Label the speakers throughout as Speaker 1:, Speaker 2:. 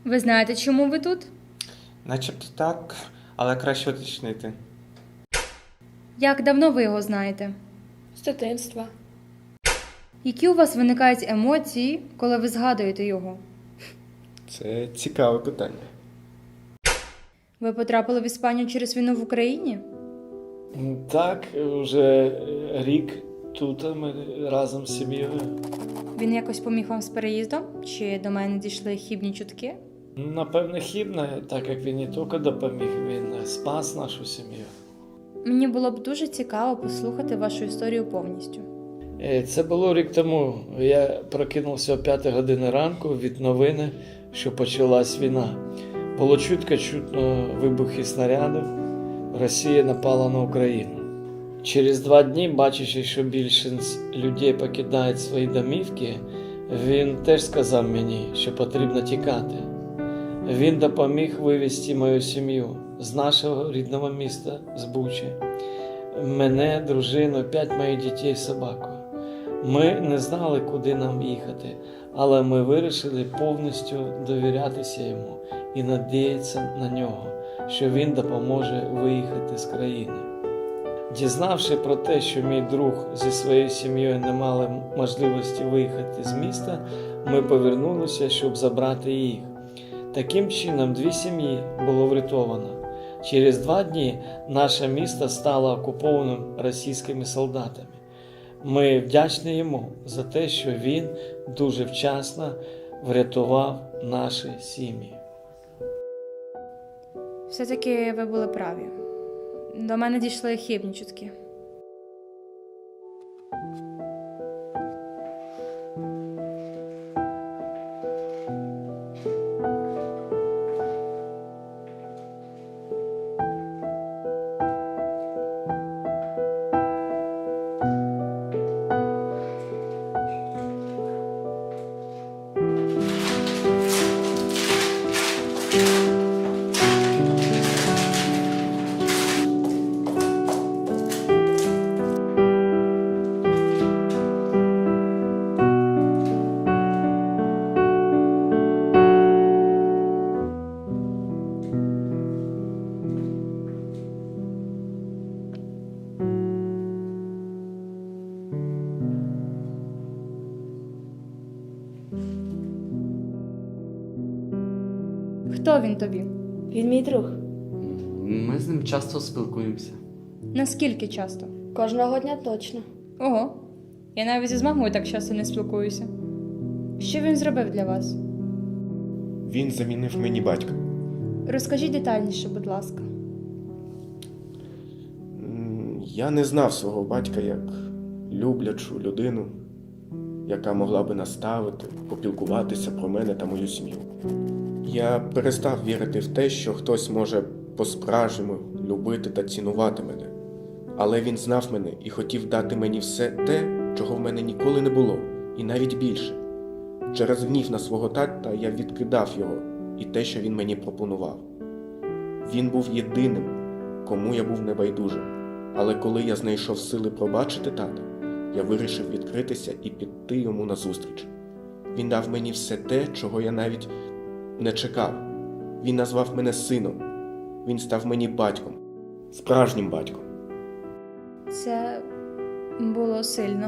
Speaker 1: Ви знаєте, чому ви тут?
Speaker 2: Начебто так, але краще уточнити.
Speaker 1: Як давно ви його знаєте?
Speaker 3: З дитинства.
Speaker 1: Які у вас виникають емоції, коли ви згадуєте його?
Speaker 2: Це цікаве питання.
Speaker 1: Ви потрапили в Іспанію через війну в Україні?
Speaker 4: Так, вже рік тут ми разом з сім'єю.
Speaker 1: Він якось поміг вам з переїздом? Чи до мене дійшли хібні чутки?
Speaker 4: Напевне, хібне, так як він не тільки допоміг, він спас нашу сім'ю.
Speaker 1: Мені було б дуже цікаво послухати вашу історію повністю.
Speaker 4: Це було рік тому. Я прокинувся о 5 годині ранку від новини, що почалась війна. Було чутно вибухи снарядів. Росія напала на Україну. Через 2 дні, бачачи, що більшість людей покидають свої домівки, він теж сказав мені, що потрібно тікати. Він допоміг вивезти мою сім'ю з нашого рідного міста, з Бучі. Мене, дружину, 5 моїх дітей, собаку. Ми не знали, куди нам їхати, але ми вирішили повністю довірятися йому і надіятися на нього, що він допоможе виїхати з країни. Дізнавши про те, що мій друг зі своєю сім'єю не мали можливості виїхати з міста, ми повернулися, щоб забрати їх. Таким чином, 2 сім'ї було врятовано. Через 2 дні наше місто стало окупованим російськими солдатами. Ми вдячні йому за те, що він дуже вчасно врятував наші сім'ї.
Speaker 1: Все-таки ви були праві. До мене дійшли хибні чутки. Хто він тобі?
Speaker 3: Він мій друг.
Speaker 5: Ми з ним часто спілкуємося.
Speaker 1: Наскільки часто?
Speaker 3: Кожного дня точно.
Speaker 1: Ого, я навіть із мамою так часто не спілкуюся. Що він зробив для вас?
Speaker 6: Він замінив мені батька.
Speaker 1: Розкажіть детальніше, будь ласка.
Speaker 6: Я не знав свого батька як люблячу людину, яка могла би наставити, попілкуватися про мене та мою сім'ю. Я перестав вірити в те, що хтось може по-справжньому любити та цінувати мене. Але він знав мене і хотів дати мені все те, чого в мене ніколи не було, і навіть більше. Через гнів на свого тата я відкидав його і те, що він мені пропонував. Він був єдиним, кому я був небайдужим. Але коли я знайшов сили пробачити тата, я вирішив відкритися і піти йому назустріч. Він дав мені все те, чого я навіть не чекав. Він назвав мене сином. Він став мені батьком. Справжнім батьком.
Speaker 1: Це було сильно.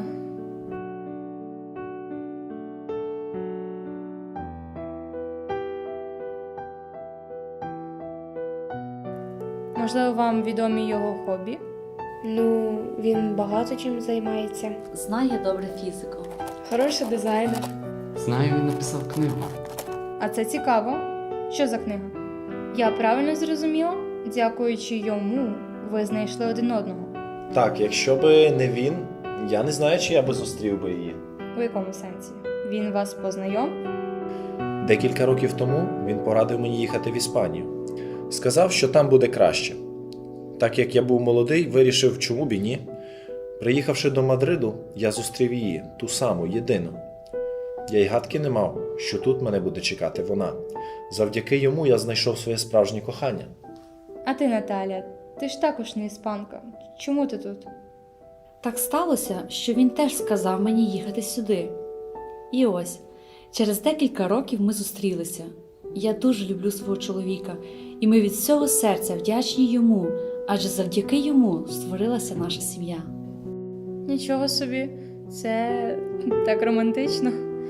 Speaker 1: Можливо, вам відомі його хобі?
Speaker 3: Ну, він багато чим займається.
Speaker 7: Знає добре фізику.
Speaker 3: Хороший дизайнер.
Speaker 5: Знаю, він написав книгу.
Speaker 1: А це цікаво. Що за книга? Я правильно зрозуміла? Дякуючи йому, ви знайшли один одного.
Speaker 8: Так, якщо би не він, я не знаю, чи я би зустрів би її.
Speaker 1: У якому сенсі? Він вас познайомив?
Speaker 8: Декілька років тому він порадив мені їхати в Іспанію. Сказав, що там буде краще. Так як я був молодий, вирішив, чому б і ні. Приїхавши до Мадриду, я зустрів її, ту саму, єдину. Я й гадки не мав, що тут мене буде чекати вона. Завдяки йому я знайшов своє справжнє кохання.
Speaker 1: А ти, Наталя, ти ж також не іспанка. Чому ти тут?
Speaker 7: Так сталося, що він теж сказав мені їхати сюди. І ось, через декілька років ми зустрілися. Я дуже люблю свого чоловіка, і ми від всього серця вдячні йому, адже завдяки йому створилася наша сім'я.
Speaker 1: Нічого собі, це так романтично.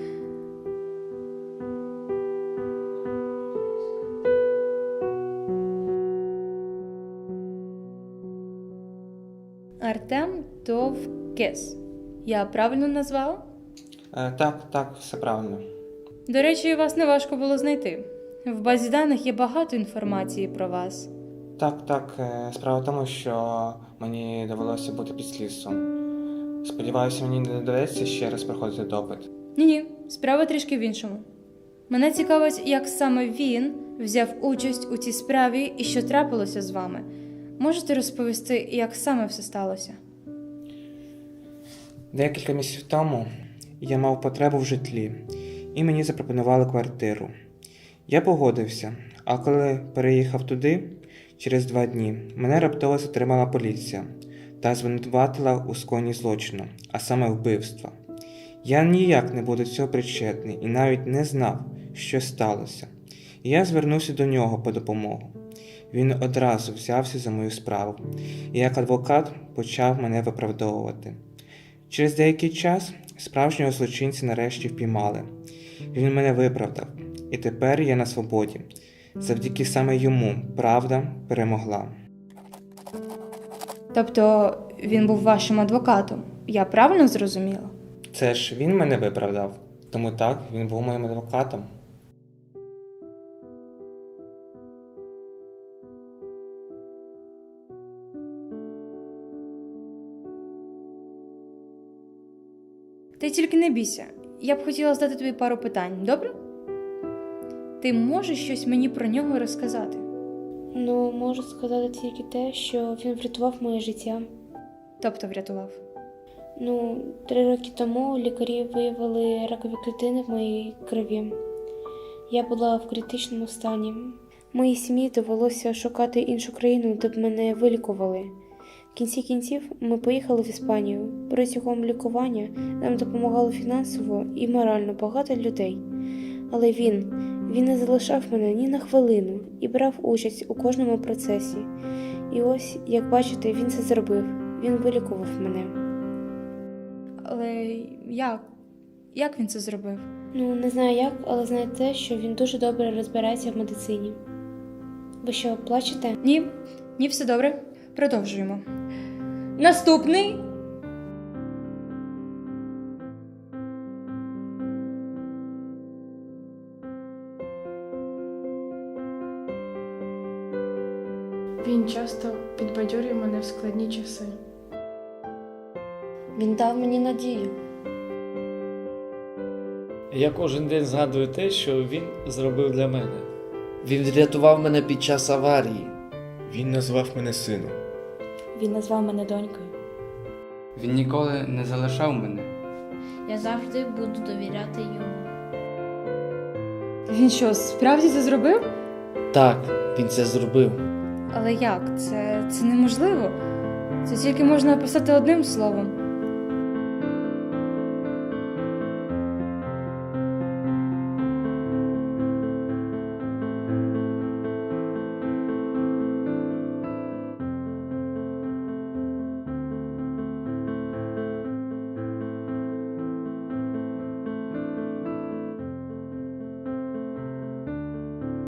Speaker 1: Артем Товкес. Я правильно назвала?
Speaker 2: Так, все правильно.
Speaker 1: До речі, вас не важко було знайти. В базі даних є багато інформації про вас.
Speaker 2: Так, справа в тому, що мені довелося бути під слідством. Сподіваюся, мені не доведеться ще раз проходити допит.
Speaker 1: Ні, справа трішки в іншому. Мене цікавить, як саме він взяв участь у цій справі і що трапилося з вами. Можете розповісти, як саме все сталося?
Speaker 2: Декілька місяців тому я мав потребу в житлі, і мені запропонували квартиру. Я погодився, а коли переїхав туди, через 2 дні, мене раптово затримала поліція та звинуватила у скоєнні злочину, а саме вбивства. Я ніяк не був до цього причетний і навіть не знав, що сталося. І я звернувся до нього по допомогу. Він одразу взявся за мою справу, і як адвокат почав мене виправдовувати. Через деякий час справжнього злочинця нарешті впіймали. Він мене виправдав, і тепер я на свободі. Завдяки саме йому правда перемогла.
Speaker 1: Тобто він був вашим адвокатом? Я правильно зрозуміла?
Speaker 2: Це ж він мене виправдав, тому так, він був моїм адвокатом.
Speaker 1: Ти тільки не бійся. Я б хотіла задати тобі пару питань, добре? Ти можеш щось мені про нього розказати?
Speaker 3: Ну, можу сказати тільки те, що він врятував моє життя.
Speaker 1: Тобто врятував.
Speaker 3: 3 роки тому лікарі виявили ракові клітини в моїй крові. Я була в критичному стані. Моїй сім'ї довелося шукати іншу країну, де б мене вилікували. В кінці кінців ми поїхали в Іспанію. Протягом лікування нам допомагало фінансово і морально багато людей. Але він не залишав мене ні на хвилину і брав участь у кожному процесі. І ось, як бачите, він це зробив. Він вилікував мене.
Speaker 1: Але як? Як він це зробив?
Speaker 3: Не знаю як, але знаю те, що він дуже добре розбирається в медицині. Ви що, плачете?
Speaker 1: Ні, все добре. Продовжуємо. Наступний.
Speaker 9: Він часто підбадьорює мене в складні часи.
Speaker 7: Він дав мені надію.
Speaker 4: Я кожен день згадую те, що він зробив для мене.
Speaker 10: Він врятував мене під час аварії.
Speaker 6: Він назвав мене сином.
Speaker 7: Він назвав мене донькою.
Speaker 5: Він ніколи не залишав мене.
Speaker 11: Я завжди буду довіряти йому.
Speaker 1: Він що, справді це зробив?
Speaker 10: Так, він це зробив.
Speaker 1: Але як? Це неможливо. Це тільки можна описати одним словом.